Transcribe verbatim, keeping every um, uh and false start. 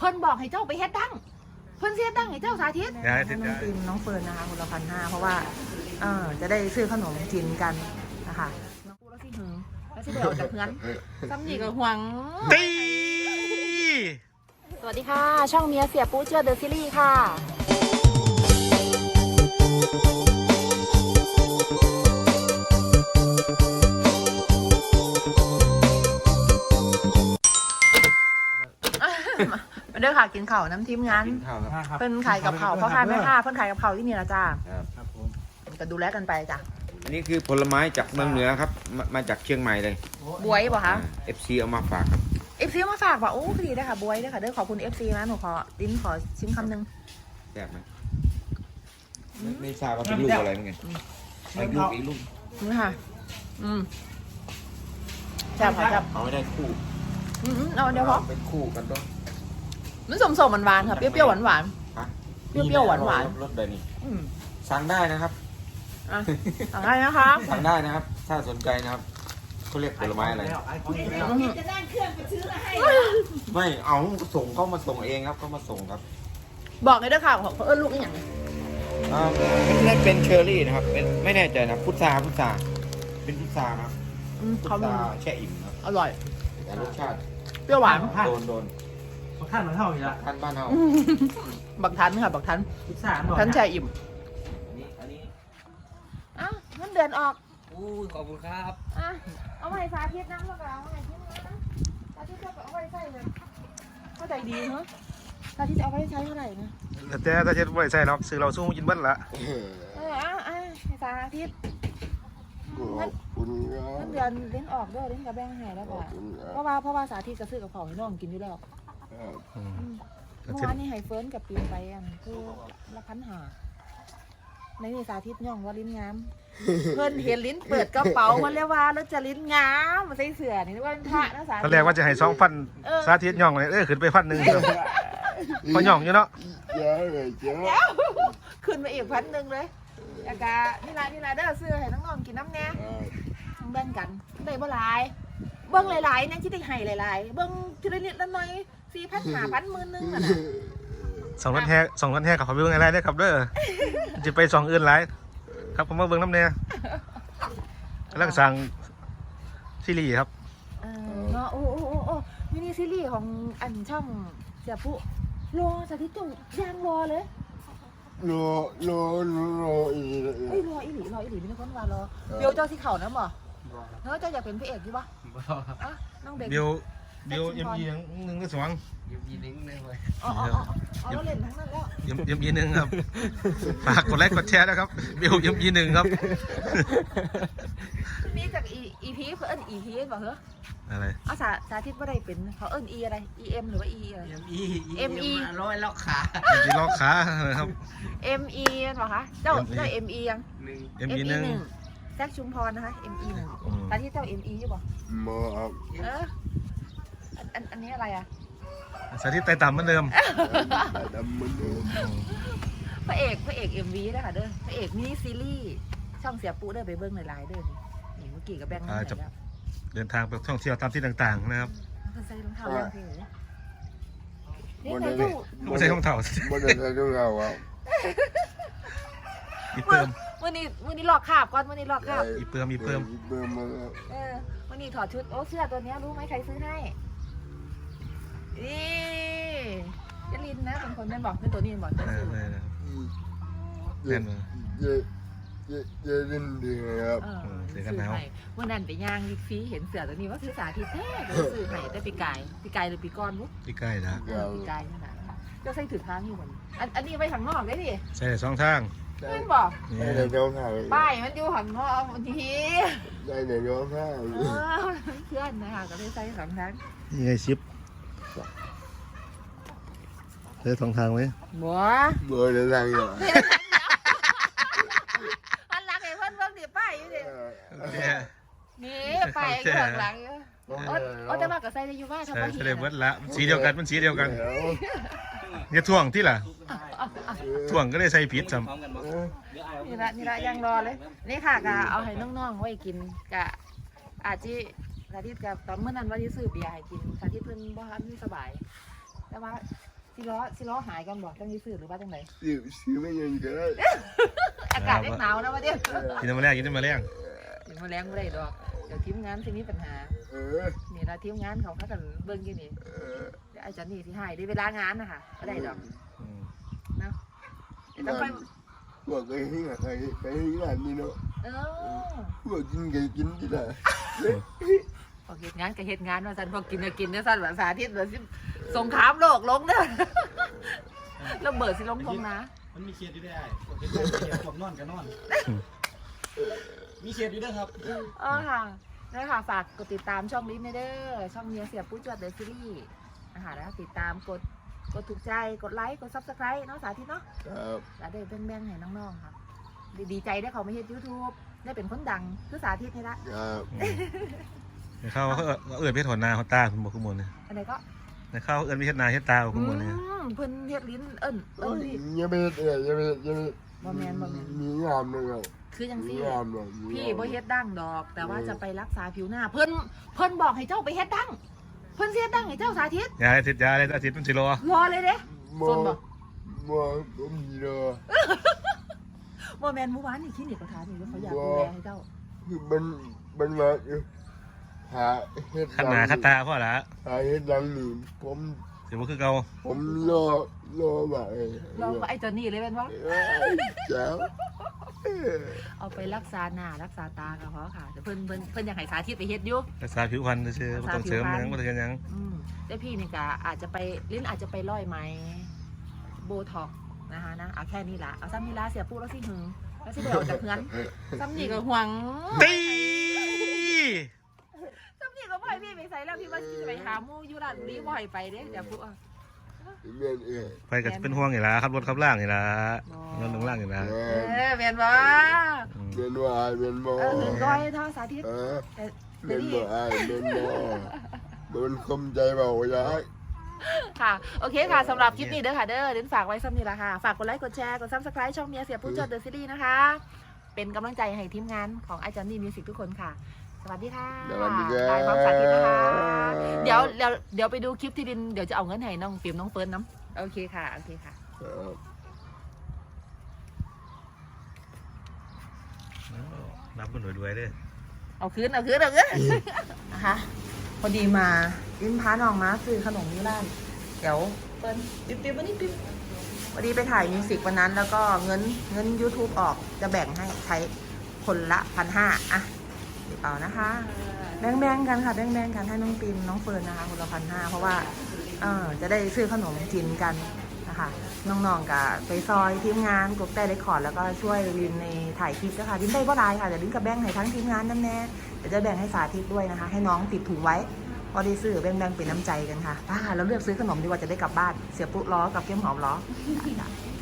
พิ่นบอกให้เจ้าไปเฮ็ดดังเพิ่นเสียดังให้เจ้าสาธิตได้ได้น้องปิมน้องเฟิร์นนะคะคนละพันห้าเพราะว่าเออจะได้ซื้อขนมกินกันนะคะน้องปูแล้วสิหึงแล้วสิเดี๋ยวออกจากเพื่อนซ้ำนี่ก็หวังตีสวัสดีค่ะช่องเมียเสียปูเชื่อเดอะซีรีส์ค่ะมาเด้อค่ะกินข้าวน้ำทิมงานเพิ่นขายกับข้าวพ่อค้าแม่ค้าเพิ่นขายกับข้าวที่นี่ละจ้าครับผมก็ดูแลกันไปจ้ะอันนี้คือผลไม้จากเมืองเหนือครับมามาจากเชียงใหม่เลยบวยป่ะคะเอฟซีเอามาฝากครับเอฟซีมาฝากป่ะโอ้ดีได้ค่ะบวยได้ค่ะเด้อขอบคุณเอฟซีนะหนูขอลิ้นขอชิมคำหนึ่งแซ่บไหมไม่ไม่ทราบว่าเป็นลูกอะไรเหมือนกันอีกลูกอีกลูกนี่ค่ะอืมแซ่บค่ะแซ่บเอาไม่ได้คู่อืมเอาเดี๋ยวพอเป็นคู่กันต้องมันสมสมหวานๆค่ะเปรี้ยวๆหวานๆเปรี้ยวๆหวานๆรสแบบนี้อืมสั่งได้นะครับสั่งได้นะคะสั่งได้นะครับ ถ้าสนใจนะครับเขาเรียกผลไม้อะไรจะนั่งเครื่องไปซื้อมาให้ไม่เอาส่งเขามาส่งเองครับเขามาส่งครับบอกเลยเด้อค่ะของเขาเอิ้นลูกอย่างนี้อ่าไม่เป็นเชอร์รี่นะครับเป็นไม่แน่ใจนะพุทราพุทราเป็นพุทราครับพุทราแช่อิ่มครับอร่อยแต่รสชาติเปรี้ยวหวานโดนโดนบักท่านมันเท่าอยู่ละท่านบ้านเฮาบักทันค่ะบักทันทันแช่อิ่มอ้าวเงินเดือนออกอู้ขอบคุณครับอ่ะเอาไว้สาธิตน้ำแล้วก็เอาไว้ที่นี่นะสาธิตจะเอาไว้ใส่เลยเข้าใจดีเหรอสาธิตจะเอาไว้ใช้เท่าไหร่นะแต่ถ้าเช็ดไว้ใส่หรอกซื้อเราสู้กินเบิ้ลละเอออ่ะอ่ะสาธิตเงินเดือนเล่นออกด้วยเล่นกับแบงค์หายแล้วค่ะเพราะว่าเพราะว่าสาธิตก็ซื้อกับของให้น้องกินอยู่แล้วเมื่อวานนี้ไฮเฟิร์นกับปีนไปอันคือละพันหาในนี่สาธิตย่องว่าลิ้นงามเพิ่นเห็นลิ้นเปิดกระเป๋ามันเรียกว่าแล้วจะลิ้นงามมาใส่เสื้อนี่ว่าเป็นพระนะสาธิตตอนแรกว่าจะให้สองพันสาธิตย่องเลยเออขึ้นไปพันหนึ่งพอย่องอยู่เนาะเดี๋ยวขึ้นไปอีกพันหนึ่งเลยอากานี่ละนี่ละเด้อเสื้อให้น้องๆกินน้ำแน่ต้องแบ่งกันได้บ่หลายเบิ้งหลายๆนั่นที่ได้ให้หลายๆเบิ้งทีละนิดละหน่อยสี่พันห้าพันหมื่นนึงอ่ะนะสองพันแห่สองพันแห่กับเขาไปเบิ้งอะไรได้ครับเด้อจะไปสองอื่นหลายครับผมมาเบิ้งน้ำแน่กำลังสั่งซีรีส์ครับเออเนาะโอ้โอ้โอ้โอ้มินิซีรีส์ของอันช่องเสียปุ๊รอสาธิตจุย่างรอเลยรอรอรออีเอ้ยรออีหลีรออีหลีไม่ได้คนว่ารอเบียวเจ้าสีเข่านะหมอเนาะเจ้าอยากเป็นพระเอกใช่ปะอ่ะน้องเด็กเบียวเบียวเอ็มยีหนึ่งหรือสองเอ็มยีหนึ่งเลยเว้ยอ๋ออ๋ออ๋อเราเล่นทั้งนั้นแล้วเอ็มเอ็มยีหนึ่งครับฝากกดไลค์กดแชร์นะครับเบียวเอ็มยีหนึ่งครับนี่จากอีอีพีเขาเอิ้นอีพีป่ะเหรออะไรอาสาสาธิตว่าได้เป็นเขาเอิ้นอีอะไรอีเอ็มหรือว่าอีอะไรเอ็มอีเอ็มอีร้อยล็อกขาเอ็มอีล็อกขาครับเอ็มอีป่ะคะเจ้าเจ้าเอ็มอียังเอ็มอีหนึ่งแซคชุมพรนะคะเอ็มอีหนึ่งสาธิตเจ้าเอ็มอีใช่ป่ะมาครับเอออันอันนี้อะไรอ่ะสาธิตไต่ต่ำเหมือนเดิมดำเหมือนเดิมพระเอกพระเอกเอ็มวีนะคะเด้อพระเอกมินิซีรีส์ช่องเสียปูเด้อไปเบิ้งหลายๆเด้อนี่เมื่อกี้กับแบงค์นี่แล้วเดินทางไปท่องเที่ยวตามที่ต่างๆนะครับใส่รองเท้าแบงค์เพลงนี่ใส่ตู้ไม่ใช่รองเท้าไม่ได้ใส่รองเท้าครับอีเพิ่มวันนี้วันนี้หลอกขาบก่อนวันนี้หลอกขาบอีเพิ่มอีเพิ่มอีเพิ่มมาเออวันนี้ถอดชุดโอ้เสื้อตัวนี้รู้ไหมใครซื้อให้นี่ยลินนะเป็นคนแม่บอกเป็นตัวนี้บอกตัวซื้อเล่นมาเยเยเยลินดีครับซื้อให้วันนั้นไปย่างลิฟีเห็นเสือตัวนี้ว่าซื้อสาธิตแท้ซื้อให้ได้ปีกายปีกายหรือปีก้อนบุ๊กปีกายนะปีกายขนาดก็ใส่ถือทางอยู่เหมือนอันอันนี้ไปทางนอกได้ดิใช่สองทางเพื่อนบอกได้ในรองเท้าป้ายมันอยู่ทางนอกบางทีได้ในรองเท้าเพื่อนนะคะก็ได้ใส่สองทางยังไงชิปใช้สองทางไหมบัวบัวเดินทางอยู่มันหลังไอ้เพื่อนเพื่อนดิป้ายอยู่ดินี่ป้ายข้างหลังอยู่อ๋อแต่ว่าก็ใส่ได้อยู่ว่าทำไมใส่ได้เบิดละสีเดียวกันมันสีเดียวกันอย่าถ่วงที่ล่ะถ่วงก็ได้ใส่ผิดซ้ำนี่ละนี่ละยังรอเลยนี่ค่ะกะเอาให้น้องๆไว้กินกะอาจจะสาธิตกับตอนเมื่อนั้นว่าที่ซื้อเบียร์ให้กินสาธิตเพิ่นบ่ทันสบายแต่ว่าสิล้อสิล้อหายกันบ่จังสิซื้อหรือว่าจังไดซื้อซื้อไม่เงินก็ได้อากาศเล็กหนาวนะวะเดี๋ยวกินน้ำมาแรงกินน้ำมาแรงถึงมาแรงบ่ได้ดอกเดี๋ยวทีมงานสิมีปัญหาเออนี่ละทีมงานเขาพากันเบิ่งอยู่นี่เออเดี๋ยวอาจารย์นี่สิให้ได้เวลางานนะคะบ่ได้ดอกอืมเนาะเดี๋ยวต้องไปบอกเคยให้ใครใครให้งานนี่เนาะเออบอกกินไก่กินที่ไหนพอเฮ็ดงานก็เฮ็ดงานว่าซั่นพอกินก็กินเด้อซั่นว่าสาธิตว่าสิสงครามโลกลงเด้อระเบิดสิลงทงนะมันมีเขียดอยู่ได้เขียดเขียดผมนอนกันนอน มีเขียดอยู่ด้วยครับเออค่ะนั่นค่ะฝากกดติดตามช่องลิ้นเด้อช่องเมียเสียปุ๊จวดเดอะซีรีส์นะคะแล้วติดตามกดกดถูกใจกดไลค์กดซับสไครต์เนาะสาธิตเนาะครับแล้วได้แบ่งๆให้น้องๆครับดีดีใจได้เขาไม่เฮ็ดยูทูบได้เป็นคนดังคือสาธิตนี่ละครับในข้าวเขาเอิญเพชรหัวนาหัวตาคุณบอกคุณมนเนี่ยอันไหนก็ในข้าวเอิญเพชรนาเพชรตาคุณมนเนี่ยอืมเพิ่นเฮ็ดลิ้นเอิ้นเอิ้นพี่ยังไม่เออยังไม่ยังไม่บ่แม่นบ่แม่นมีงามเลยครับคือจังมีซี่งามเลยพี่บ่เฮ็ดดังดอก แต่ว่าจะไปรักษาผิวหน้า เพิ่นเพิ่นบอกให้เจ้าไปเฮ็ดดังเพิ่นสิเฮ็ดดังให้เจ้าสาธิตยาอาทิตย์ยาอาทิตย์มันสิรอรอเลยเด้มอส่วนบ่มอผมมีเลยบ่แม่นเมื่อวานนี่คลินิกก็ถามอยู่ว่าเขาอยากดูแลให้เจ้าคือมันมันมาอยู่หาเฮ็ดขันหนาขันตาพ่อละหาเฮ็ดดังนี่ผมเดี๋ยวมันคือเก่าผมรอรอแบบเออเราก็ไอ้เจอนนี่เลยเป็นว่าเอ้ยเจ้าเออเอาไปรักษาหน้ารักษาตาก็พอค่ะแต่เพิ่นเพิ่นเพิ่นอยากให้สาธิตไปเฮ็ดอยู่รักษาผิวพรรณเชื่อไม่ต้องเสริมหยังไม่ต้องเสริมหยังอืมแต่พี่นี่ก็อาจจะไปลิ้นอาจจะไปร้อยไหมโบท็อกซ์นะคะนะเอาแค่นี้ละเอาซ้ำนี่ละเสียปุ๊แล้วสิหึงแล้วสิเดี๋ยวจากเฮือนซ้ำนี่ก็หวงตีซ้ำนี่ก็บ่ให้พี่ไปใส่แล้วพี่ว่าสิไปหาหมู่อยู่ร้านนี้บ่ให้ไปเด้เดี๋ยวปุ๊อ่ะเมียนเออไปกับเป็นห่วงอย่างละขับรถขับล่างอย่างละนอนลงล่างอย่างละเอเอออแม่นบ่เมียนว่าเมียนมอเออหึงก้อยเท่าสาธิตเออแต่เมีแต่ยนพี่บ่อายเมียนมอมันคมใจเบาย้ายค่ะโอเคค่ะสำหรับคลิปนี้เด้อค่ะเด้อเดินฝากไว้ซ้ำนี่ละค่ะฝากกดไลค์กดแชร์กดซับสไครต์ช่องเมียเสียปุ๊จดเดอะซีรีส์นะคะ เป็นกำลังใจให้ทีมงานของอาจารย์นี่มิวสิกทุกคนค่ะ สวัสดีค่ะสวัสดีครับลายความสาธิตนะคะเดี๋ยวเดี๋ยวเดี๋ยวไปดูคลิปที่ดินเดี๋ยวจะเอาเงินให้น้องปิ่มน้องเฟิร์นน้ำโอเคค่ะโอเคค่ะครับรับมันรวยๆเด้อเอาคืนเอาคืนเอาคืนนะคะพอดีมาลิ้นพาน้องมาซื้อขนมที่ร้านเดี๋ยวเปิ้ลปิ๊บปิ๊บวันนี้ปิ๊บพอดีไปถ่ายมิวสิกวันนั้นแล้วก็เงินเงิน YouTube ออกจะแบ่งให้ใช้คนละพันห้าอ่ะเดี๋ยวเอานะคะแบ่งแบ่งกันค่ะแบ่งแบ่งกันให้น้องปิมน้องเฟิร์นนะคะคนละพันห้าเพราะว่าเออจะได้ซื้อขนมกินกันนะคะน้องๆกับไปซอยทีมงานกดแต่เรคคอร์ดแล้วก็ช่วยลินในถ่ายคลิปนะคะลินได้ก็ได้ค่ะเดี๋ยวลินกับแบ่งให้ทั้งทีมงานนั่นแน่เดี๋ยวจะแบ่งให้สาธิตด้วยนะคะ ให้น้องติดถุงไว้พอได้ซื้อแบ่งๆเป็นน้ำใจกันค่ะป้าเราเลือกซื้อขนมดีกว่าจะได้กลับบ้านเสียปุ๊ล้อกับเกี้ยมหอมล้อ